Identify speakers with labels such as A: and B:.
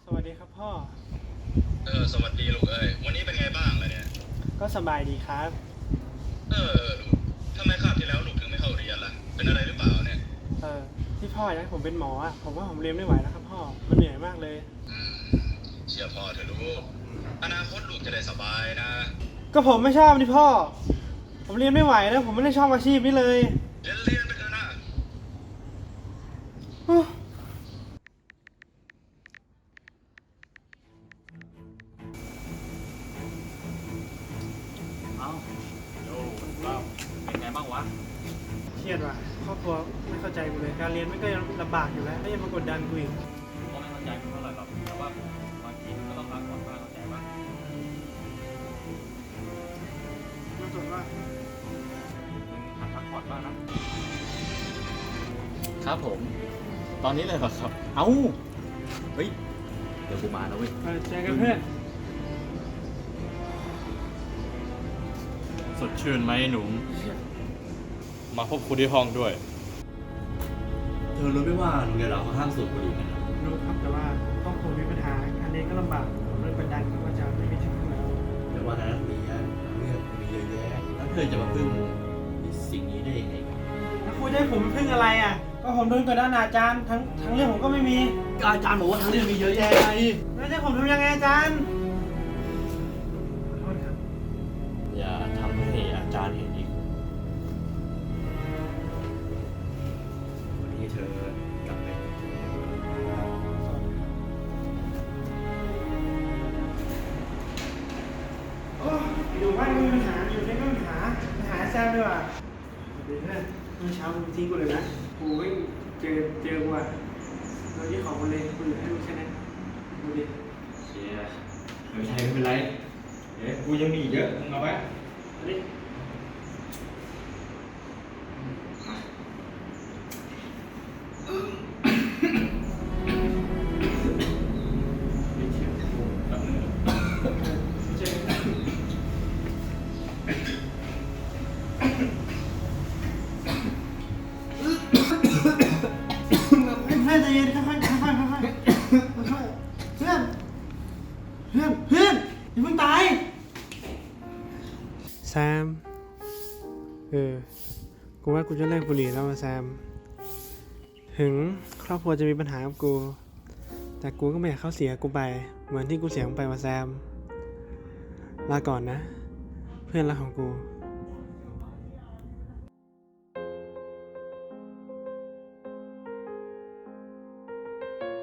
A: สวัสดีครับพ่อ
B: สวัสดีลูกเอ้ยวันนี้เป็นไงบ้างล่ะเนี่ย
A: ก็สบายดีครับ
B: ลูกทำไมคาบที่แล้วลูกถึงไม่เข้าเรียนล่ะเป็นอะไรหรือเปล่าเนี่ย
A: เออที่พ่ออยากให้ผมเป็นหมออ่ะผมว่าผมเรียนไม่ไหวแล้วครับพ่อมันเหนื่อยมากเลย
B: อืมเชื่อพ่อเถอะลูกอนาคตลูกจะได้สบายนะ
A: ก็ผมไม่ชอบนี่พ่อผมเรียนไม่ไหวแล้วผมไม่ได้ชอบอาชีพนี้เลย
B: เรียนไปเถอะนะ
A: ฮู้
C: เอ้าโย่เราเป็นไงบ้างวะ
A: เครียดว่ะครอบครัวไม่เข้าใจกูเลยการเรียนมันก็ยังลำบากอยู่แล้วแล้วยังมากดดันกูอีก
C: ผมก็ไม่เข้าใจมึงเท่าไหร่หรอกแต่ว่าบางทีมันก็ต้องพักผ่อนบ้างเข้าใจปะ
A: มาตรวจว่า
C: มึงหัดพักผ่อนบ้างนะ ครับผม ตอนนี้เลยเหรอครับ เอ้า เฮ้ย เดี๋ยวกูมาแล้วเว้ย
A: เจอกันเพื่อน
C: สดชื่นไหมหนุ่มมาพบคุณที่ห้องด้วย เธอรู้ไหมว่าโรงเรียนเราเขาห้ามสูบบุหรี่กันนะ
A: รู้ครับแต่ว่าครอบครัวมีปัญหาการเรียนก็ลำบากผมเลยกดดันครับว่าจะไม่มีทุนแล้ว
C: แต่ว่าในนักเรียนเรื่องมีเยอะแยะแล้วเธอจะมาพึ่งสิ่งนี้ได้ยังไงกัน
A: แล้วครูจะให้ผมไปพึ่งอะไรอ่ะก็ผมโดนกดดันอาจารย์ทั้งเรื่องผมก็ไม่มี
C: อาจารย์บอกว่าทั้งเรื่องมีเยอะแยะไง
A: แล้วจะผมทำยังไงอาจารย์ขอโทษครับ
C: อย่าทำให้อาจารย์เห็นอีก วันนี้เธอกลับไป
A: โอ้อยู่บ้านก็มีปัญหาอยู่ในก็มีปัญหาแซมด้วยว่ะเดี๋ยวนะเมื่อเช้ามึงทิ้งกูเลยนะกูไม่เจอกูอ่ะเราที่ขอบกูเลยกูเหลือให้มึงแค่นั้นดูดิ
C: เชียร์ไม่เป็นไรเดี๋ยวกูยังมีอีกเยอะมึงเอาไว้
A: เอาดิ
C: ไม่เชื่อกูแป๊บนึง
A: เจอกันเพื่อนใจเย็นค่อยๆค่อยๆค่อยๆเพื่อนอย่าเพิ่งตายแซมกูว่ากูจะเลิกบุหรี่แล้วแซมถึงครอบครัวจะมีปัญหากับกูแต่กูก็ไม่อยากเขาเสียกูไปเหมือนที่กูเสียมึงไปแซมลาก่อนนะเพื่อนรักของกู